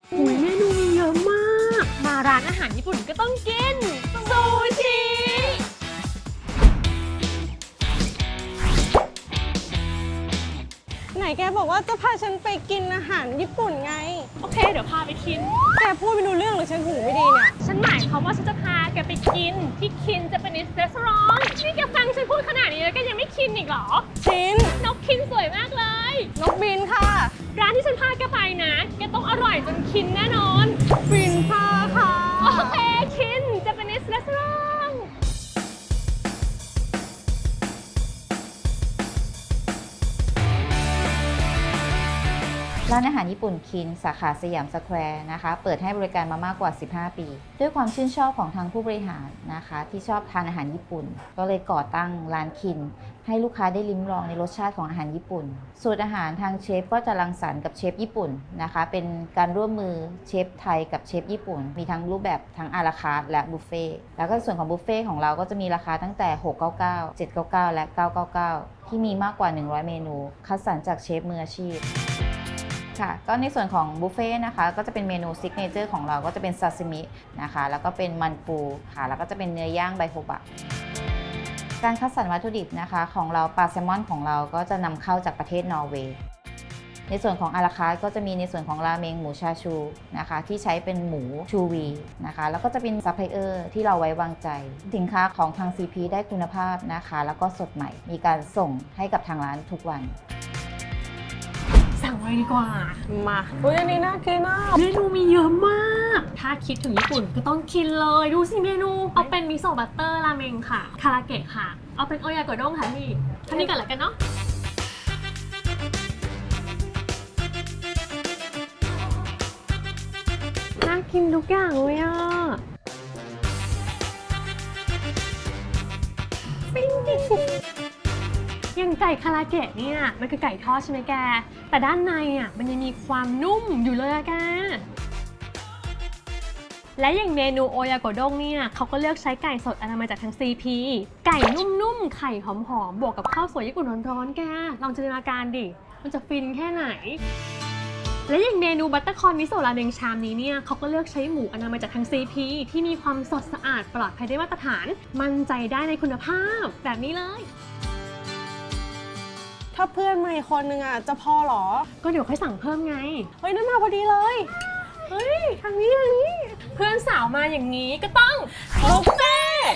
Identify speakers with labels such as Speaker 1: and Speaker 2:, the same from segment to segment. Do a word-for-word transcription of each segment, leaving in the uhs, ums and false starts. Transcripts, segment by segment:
Speaker 1: อุ้ยเมนูมีเยอะมากมาร้านอาหารญี่ปุ่นก็ต้องกินซูชิ
Speaker 2: ไหนแกบอกว่าจะพาฉันไปกินอาหารญี่ปุ่นไง
Speaker 1: โอเคเดี๋ยวพาไปกิน
Speaker 2: แกพูดไม่รู้เรื่องหรือฉันหูไม่ดีเนี่ย
Speaker 1: ฉันหมายความว่าฉันจะพาแกไปกินที่คินจะเป็นนิสเรสร้อนนี่แกฟังฉันพูดขนาดนี้แล้วก็ยังไม่คินอีกเหรอ
Speaker 2: ชิน
Speaker 1: นกคินสวยมากเลย
Speaker 2: นกบินค่ะ
Speaker 1: ร้านที่ฉันพาแกไปนะแกต้องอร่อยจนคินแน่นอน
Speaker 2: บินพาค่ะ
Speaker 1: โอเคคินจะเป็นนิสเรสร้อน
Speaker 3: ร้านอาหารญี่ปุ่นคินสาขาสยามสแควร์นะคะเปิดให้บริการมามากกว่าสิบห้าปีด้วยความชื่นชอบของทางผู้บริหารนะคะที่ชอบทานอาหารญี่ปุ่นก็เลยก่อตั้งร้านคินให้ลูกค้าได้ลิ้มลองในรสชาติของอาหารญี่ปุ่นสูตรอาหารทางเชฟก็จะรังสรรค์กับเชฟญี่ปุ่นนะคะเป็นการร่วมมือเชฟไทยกับเชฟญี่ปุ่นมีทั้งรูปแบบทั้งอาราคาร์ทและบุฟเฟ่แล้วก็ส่วนของบุฟเฟ่ของเราก็จะมีราคาตั้งแต่หกร้อยเก้าสิบเก้า เจ็ดร้อยเก้าสิบเก้าและเก้าร้อยเก้าสิบเก้าที่มีมากกว่าหนึ่งร้อยเมนูคัดสรรจากเชฟมืออาชีพค่ะก็ในส่วนของบุฟเฟ่นะคะก็จะเป็นเมนูซิกเนเจอร์ของเราก็จะเป็นซาซิมินะคะแล้วก็เป็นมันปูค่ะแล้วก็จะเป็นเนื้อย่างไบโฮบะการคัดสรรวัตถุดิบนะคะของเราปลาแซลมอนของเราก็จะนำเข้าจากประเทศนอร์เวย์ในส่วนของอาราคาร์ทก็จะมีในส่วนของราเมงหมูชาชูนะคะที่ใช้เป็นหมูชูวีนะคะแล้วก็จะเป็นซัพพลายเออร์ที่เราไว้วางใจสินค้าของทาง ซี พี ได้คุณภาพนะคะแล้วก็สดใหม่มีการส่งให้กับทางร้านทุกวัน
Speaker 1: สั่งเลยดีกว่า
Speaker 2: มาอุ้ยอันนี้น่ากินมาก
Speaker 1: เมนูมีเยอะมากถ้าคิดถึงญี่ปุ่นก็ต้องกินเลยดูสิเมนูเอาเป็นมิโซะบัตเตอร์ราเมงค่ะคาราเกะค่ะเอาเป็นโอยากโดงค่ะพี่ท่านี้ก่อนละกันเนาะน่ากินทุกอย่างเลยอ่ะปิ้งดิอย่างไก่คาราเกะเนี่ยมันคือไก่ทอดใช่ไหมแกแต่ด้านในอ่ะมันยังมีความนุ่มอยู่เลยอะแกและอย่างเมนูโอยากโดงเนี่ยเขาก็เลือกใช้ไก่สดอนามัยจากทาง ซี พี ไก่นุ่มๆไข่หอมๆบวกกับข้าวสวยญี่ปุ่นร้อนๆแกลองจินตนาการดิมันจะฟินแค่ไหนและอย่างเมนูบัตเตอร์คอนมิโซะราเมงชามนี้เนี่ยเขาก็เลือกใช้หมูอนามัยจากทาง ซี พี ที่มีความสดสะอาดปลอดภัยได้มาตรฐานมั่นใจได้ในคุณภาพแบบนี้เลย
Speaker 2: ถ้าเพื่อนมาอีกคนนึงอ่ะจะพอหรอ
Speaker 1: ก็เดี๋ยวค่อยสั่งเพิ่มไง
Speaker 2: เฮ้ยนั่นมาพอดีเลย
Speaker 1: เฮ้ยทางนี้ทางนี้เพื่อนสาวมาอย่างนี้ก็ต้องบุฟเฟ่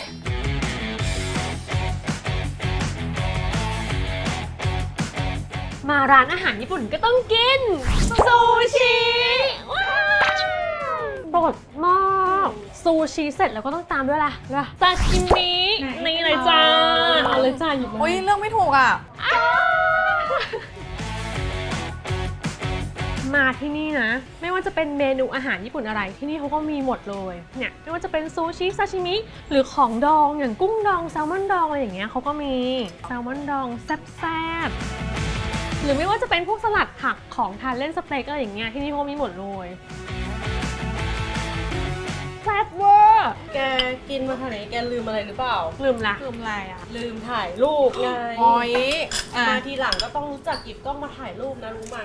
Speaker 1: มาร้านอาหารญี่ปุ่นก็ต้องกินซูชิว้าวโปรดมากซูชิเสร็จแล้วก็ต้องตามด้วยล่ะซาชิมินี่เลยจ้าเอาเลยจ้าหยิบมา
Speaker 2: อุ้ยเรื่องไม่ถูกอ่ะ
Speaker 1: มาที่นี่นะไม่ว่าจะเป็นเมนูอาหารญี่ปุ่นอะไรที่นี่เขาก็มีหมดเลยเนี่ยไม่ว่าจะเป็นซูชิซาชิมิหรือของดองอย่างกุ้งดองแซลมอนดองอะไรอย่างเงี้ยเขาก็มีแซลมอนดองแซ่บๆหรือไม่ว่าจะเป็นพวกสลัดผักของทานเล่นสเต็กอะไรอย่างเงี้ยที่นี่เขามีหมดเลยแซ่บเวอร์
Speaker 2: แกกินมาขนาดนี้แกลืมอะไรหรือเปล่า
Speaker 1: ลืมละ
Speaker 2: ลืมอะไรอ่ะลืมถ่ายรูปไง
Speaker 1: โอ้ย
Speaker 2: มาทีหลังก็ต้องรู้จักหยิบกล้องมาถ่ายรูปนะรู้ไหม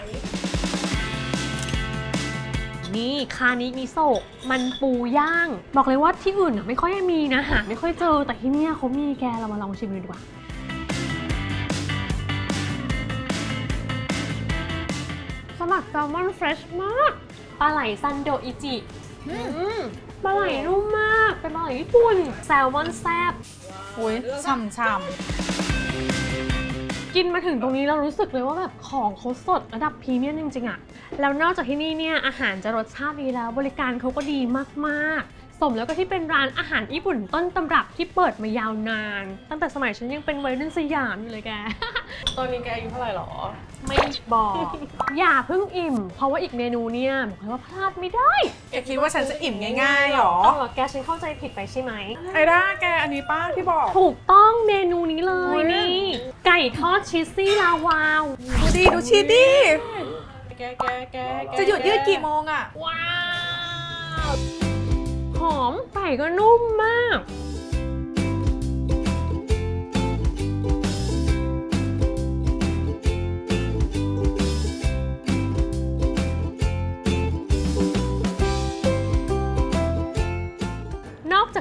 Speaker 1: นี่คานิมิโซะมันปูย่างบอกเลยว่าที่อื่นไม่ค่อยมีนะหาไม่ค่อยเจอแต่ที่นี่เขามีแกเรามาลองชิมดูดีกว่าสลัดแซลมอนเฟรชมากปลาไหลซันโดอิจิปลาไหลนุ่มมากเป็นปลาไหลญี่ปุ่นแซลมอนแซ่บ
Speaker 2: โอ้ยฉ่ำๆ
Speaker 1: กินมาถึงตรงนี้เรารู้สึกเลยว่าแบบของเขาสดระดับพรีเมียมจริงๆอะแล้วนอกจากที่นี่เนี่ยอาหารจะรสชาติดีแล้วบริการเขาก็ดีมากๆสมแล้วก็ที่เป็นร้านอาหารญี่ปุ่นต้นตำรับที่เปิดมายาวนานตั้งแต่สมัยฉันยังเป็นวัยรุ่นสยามอยู่เลยแก
Speaker 2: ตอนนี้แกอายุเท่าไหร่หรอ
Speaker 1: ไม่บอกอย่าเพิ่งอิ่มเพราะว่าอีกเมนูเนี่ยบอกเลยว่าพลาดไม่ได้
Speaker 2: แกคิดว่าฉันจะอิ่มง่ายๆหรอ
Speaker 1: เออแกฉันเข้าใจผิดไปใช่ไหม
Speaker 2: ไอ้ด้าแกอันนี้ป้าที่บอก
Speaker 1: ถูกต้องเมนูนี้เลยนี่ไก่ทอดชีสซี่ลาวาว
Speaker 2: ดูดิดูชีสดิแกแกแกจะหยุดยืดกี่โมงอะ
Speaker 1: ว้าวหอมไก่ก็นุ่มมาก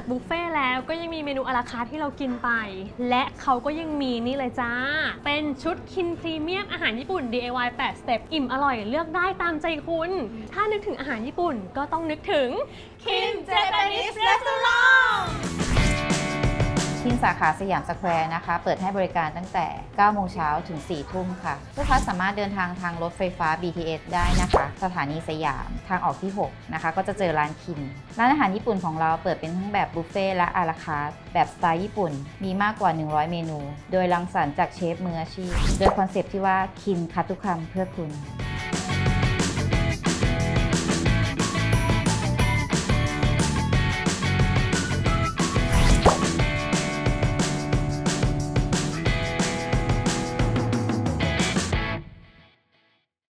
Speaker 1: บุฟเฟ่ต์แล้วก็ยังมีเมนูอะลาคาร์ทที่เรากินไป และเขาก็ยังมีนี่เลยจ้า เป็นชุดคินพรีเมียมอาหารญี่ปุ่น ดี ไอ วาย แปด สเต็ปอิ่มอร่อยเลือกได้ตามใจคุณ ถ้านึกถึงอาหารญี่ปุ่นก็ต้องนึกถึง
Speaker 2: Kin Japanese Restaurant
Speaker 3: คินสาขาสยามสแควร์นะคะเปิดให้บริการตั้งแต่ เก้าโมงเช้าถึง สี่ทุ่มค่ะลูกค้าสามารถเดินทางทางรถไฟฟ้า บี ที เอส ได้นะคะสถานีสยามทางออกที่ หก นะคะก็จะเจอร้านคินร้านอาหารญี่ปุ่นของเราเปิดเป็นทั้งแบบบุฟเฟ่ต์และอาราคาร์ทแบบสไตล์ญี่ปุ่นมีมากกว่า หนึ่งร้อย เมนู โดยรังสรรค์จากเชฟมืออาชีพโดยคอนเซปต์ที่ว่าคินคัดทุกคำเพื่อคุณ